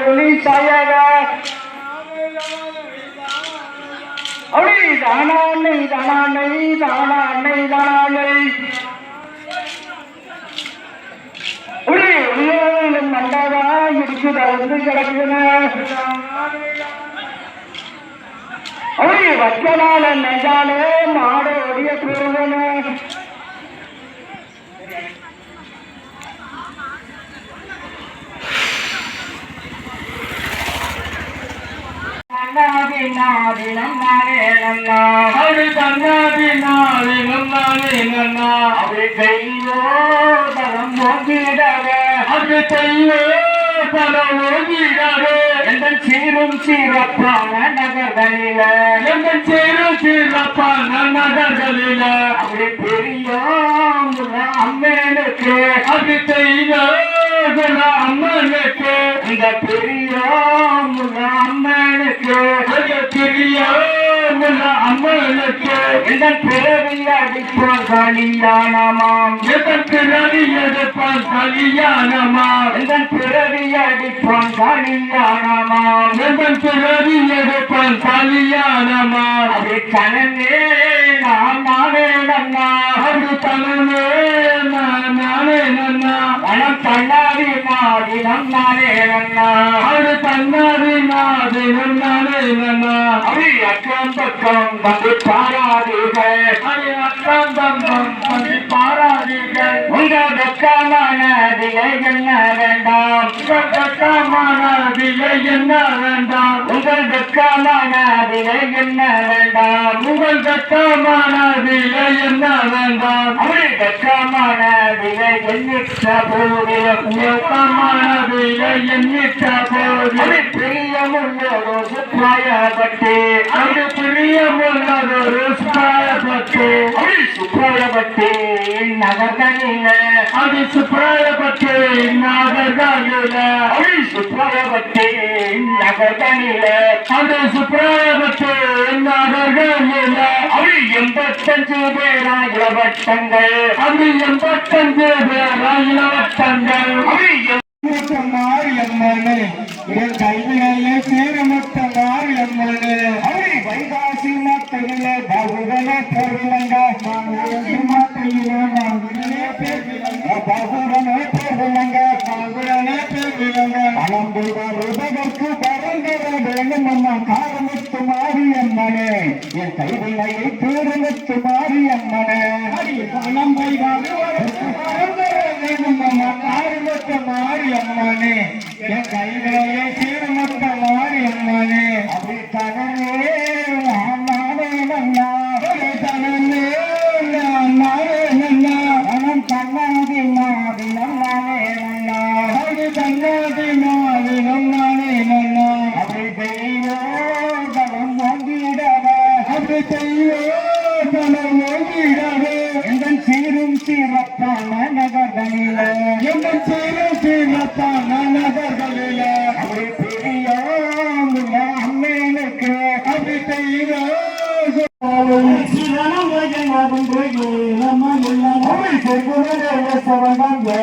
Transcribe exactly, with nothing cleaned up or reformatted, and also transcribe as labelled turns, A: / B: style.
A: ஒளி சாயக அப்படி தானானை தானானை தானானை தானானை மண்டவா இடிச்சு தந்து கிடக்குன அப்படி வச்சனால நெஞ்சாலே மாடு ஒடிய கூறுவன நாதி நாதி நன்னாரே நன்னா அப்படி தன்னாதி நாதி நன்னாரே நன்னா அப்படி கையோ தரம் போகிடவே அப்படி கையோ தரம் போகிடவே எந்த சீரும் சீரப்பான நகர்களில எந்த சீரும் சீரப்பான நகர்களில அப்படி பெரிய அம்மனுக்கு அப்படி கையோ அம்மனுக்கு இந்த பெரிய அம்மனுக்கு பெரிய அம்மனுக்கு இதன் பிறவி அடிப்பான் கல்யாணமாம் இதன் பிறவி எடுப்பான் கல்யாணமாம் இதன் பிறவி அடிப்பான் கல்யாணமாம் இதன் பிறவி எடுப்பான் கல்யாணமாம் அது கனவே நான் நானே நன்னா அது கனவே நான் நானே நன்னா மனம் தன்னாடி நாடி நன்னானே நன்னா அது தன்னாடி நாடி நன்னானே நன்னா அது அக்கம் பக்கம் வந்து பாராதீர்கள் அது அக்கம் பக்கம் வந்து பாராதீர்கள் உங்க வெக்கமான விலை என்ன வேண்டாம் உங்கள் வெக்கமான விலை என்ன வேண்டாம் உங்கள் வெக்கமான விலை என்ன வேண்டாம் உங்கள் வெக்கமான விலை என்ன வேண்டாம் அவள் வெக்கமான விலை எண்ணிட்ட போதிலும் வெக்கமான விலை எண்ணிட்ட போதிலும் பிரியமுள்ளதோ சுற்றாயப்பட்டு அது பிரியமுள்ளதொரு சுற்றாயப்பட்டு அவள் சுற்றாயப்பட்டு நகர்களில அது சுற்றாயப்பட்டு நகர்களில அவள் சுற்றாயப்பட்டு நகர்களில அது சுற்றாயப்பட்டு நகர்களில அவள் எண்பத்தஞ்சு பேரா இளவட்டங்கள் அது எண்பத்தஞ்சு பேரா இளவட்டங்கள் அவள் மாரியம்மனே என் கைவினையே சேரமட்ட மாரியம்மனே அவரை வைகாசி மாத்தையில பகுவன பெருவிலங்க மாத்தையில பகுவன பெருவிலங்க பகுவன பெருவிலங்க பழம்புவதற்கு பரந்தர வேண்டும் அம்மா காரமுத்து மாரியம்மனே என் கைவினையை பேருமுத்து மாரியம்மனே பணம் வைகாசி பரந்தர வேண்டும் அம்மா காரமுத்து மாரியம்மனே என் கைவினையை சீர்மத்த மாரியம்மனே அப்படி தனமே நானே நன்னா தனமே நானே நன்னா மனம் தன்னாதி நாதி நன்னானே நன்னா அது தன்னாதி நாதி நன்னானே நன்னா அப்படி தெய்வோ தனம் வாங்கிடவே அப்படி தெய்வோ தனம் வாங்கிடவே எங்கள் சீரும் சீரப்பான நகர்களில எங்கள் சீரும் சீரப்பான நகர்களில அப்படி பெரிய அம்மனுக்கு அப்படி தெய்வோ சிவனம்